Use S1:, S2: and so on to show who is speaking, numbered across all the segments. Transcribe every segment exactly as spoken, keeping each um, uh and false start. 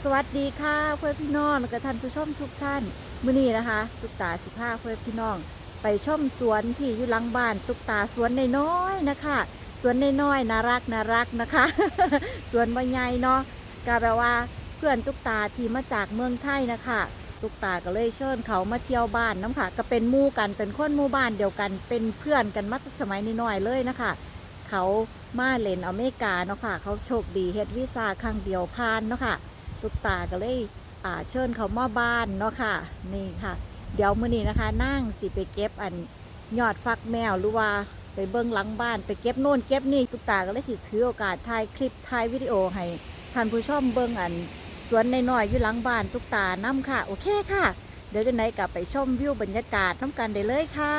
S1: สวัสดีค่ะเพื่อนพี่น้องและก็ท่านผู้ชมทุกท่านมื้อนี้นะคะตุ๊กตาสิบห้าเพื่อนพี่น้องไปชมสวนที่อยู่หลังบ้านตุ๊กตาสวนน้อยๆนะคะสวนน้อยๆน่ารักน่ารักนะคะ สวนใหญ่เนาะก็แปลว่าเพื่อนตุ๊กตาที่มาจากเมืองไทยนะคะตุ๊กตาก็เลยเชิญเขามาเที่ยวบ้านน้ำค่ะก็เป็นหมู่กันเป็นคนหมู่บ้านเดียวกันเป็นเพื่อนกันมาตั้งสมัยน้อยๆเลยนะคะเขามาเล่นอเมริกาเนาะค่ะเขาโชคดีเฮ็ดวีซ่าครั้งเดียวผ่านเนาะค่ะ ตุ๊กตาก็เลยอ่าเชิญเขามาบ้านเนาะค่ะนี่ค่ะเดี๋ยวมื้อนี้นะคะนั่งสิไปเก็บอันยอดฟักแมวหรือว่าไปเบิ้งหลังบ้านไปเก็บโน่นเก็บนี่ตุ๊กตาก็เลยสิถือโอกาสถ่ายคลิปถ่ายวิดีโอให้ท่านผู้ชมเบิ้งอันสวนน้อยๆอยู่หลังบ้านตุ๊กตานํค่ะโอเคค่ะเดี๋ยวจะไหนกลับไปชมวิวบรรยากาศน้ำกันได้เลยค่ะ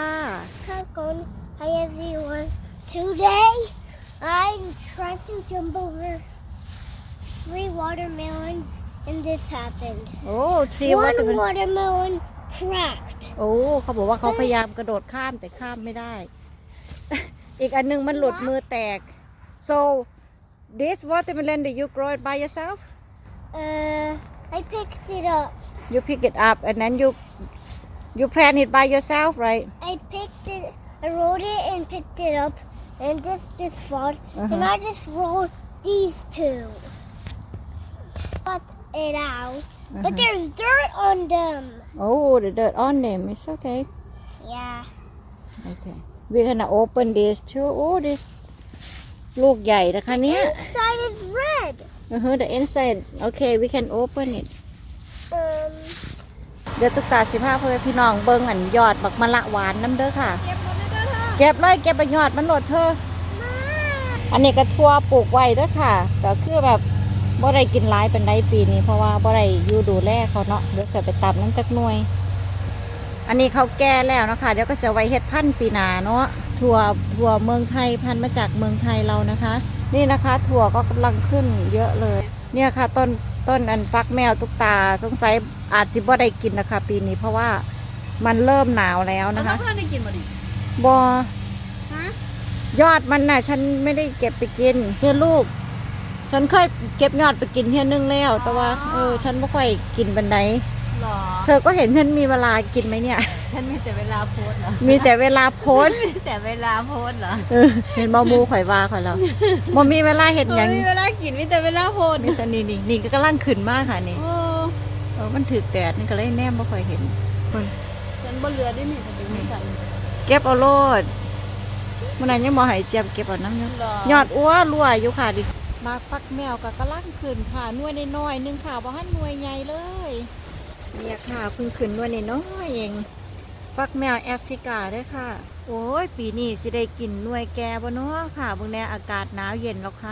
S2: Hi everyone. Today I'm trying to jump over three watermelons and this happened.
S1: โอ้ทรีว่า
S2: One
S1: จะเป็น
S2: watermelon cracked.
S1: โอ้เขาบอกว่าเขาพยายามกระโดดข้ามแต่ข้ามไม่ได้ อีกอันหนึงมันหลุดมือแตก so this watermelon that you grow it by yourself
S2: Uh, I picked it up.
S1: you pick it up and then you you plant it by yourself right
S2: I picked it. I rolled it and picked it up, and this just fall.
S1: Uh-huh.
S2: And I just rolled these two. Cut it out, but
S1: Uh-huh.
S2: there's dirt on them.
S1: oh the dirt on them it's okay
S2: Yeah.
S1: okay we're gonna open this too oh this ลูกใหญ่นะคะเนี้ย
S2: Inside is red.
S1: uh-huh the inside okay we can open it
S2: Um.
S1: เดี๋ยวตุ๊กตาสิพาพ่อแม่พี่น้องเบิ่งอันยอดบักมะละหวานน้ำเด้อค่ะ เก็บเลยเก็บไปยอดมันโหลดเธอ อันนี้ก็ทั่วปลูกไว้เด้อค่ะแต่คือแบบบ่ได้กินหลายเป็นไดปีนี้เพราะว่าบ่ได้อยู่ดูแลเขาเนาะเดี๋ยวจะไปตำน้ำจักหน่วย อันนี้เขาแก่แล้วนะคะเดี๋ยวก็จะไว้เฮ็ดพันธุ์ปีหน้าเนาะถั่วถั่วเมืองไทยพันธุ์มาจากเมืองไทยเรานะคะ นี่นะคะถั่วก็กำลังขึ้นเยอะเลย เนี่ยค่ะต้นต้นอันฟักแมวตุ๊กตาสงสัยอาจสิบ่ได้กินนะคะ ปีนี้เพราะว่ามันเริ่มหนาวแล้วนะคะ
S3: เพื่อนได้กินมาดิ
S1: บอ
S3: ฮะ
S1: ยอดมันน่ะ ฉันไม่ได้เก็บไปกินเพื่อลูก ฉันเคยเก็บยอดไปกินเพียนึงแล้วแต่ว่าเออฉันไม่ค่อยกินบันได
S3: หรอ
S1: เธอก็เห็นฉันมีเวลากินไหมเนี่ย
S3: ฉันมีแต่เวลาโพสเหรอ
S1: มีแต่เวลาโพสต์
S3: มีแต่เวลาโพสเหรอ
S1: เออเห็นบอมูข่อยว่าข่อยแล้วบอมีเวลาเห็นอย่าง
S3: มีเวลากินมีแต่เวลาโพส
S1: นี่แต่นี่นี่นี่ก็กำลังขึ้นมากค่ะนี่
S3: โอ้
S1: เออมันถือแดดนี่ก็เลยแนมไม่ค่อยเห็นเพิ่น
S3: ฉันบ่เหลือได้มีแต่เป็นไม่กัน
S1: เก็บเอาโลดมันนั้นยังมอหายเจี๊ยบเก็บเอาน้ำเนาะ
S3: หรอย
S1: อดอ้วรั่วอยู่ค่ะดิมาฟักแมวกับกระลังขึ้นค่ะหน่วยน้อยๆหนึงค่ะบ่ฮั่นหน่วยใหญ่เลยเนี่ยค่ะเพิ่งขึ้นหน่วยน้อยๆเองฟักแมวแอฟริกาเด้อค่ะ โอ้ยปีนี้สิได้กินหน่วยแก่บ่เนาะค่ะเบิ่งแน่อากาศหนาวเย็นแล้วค่ะ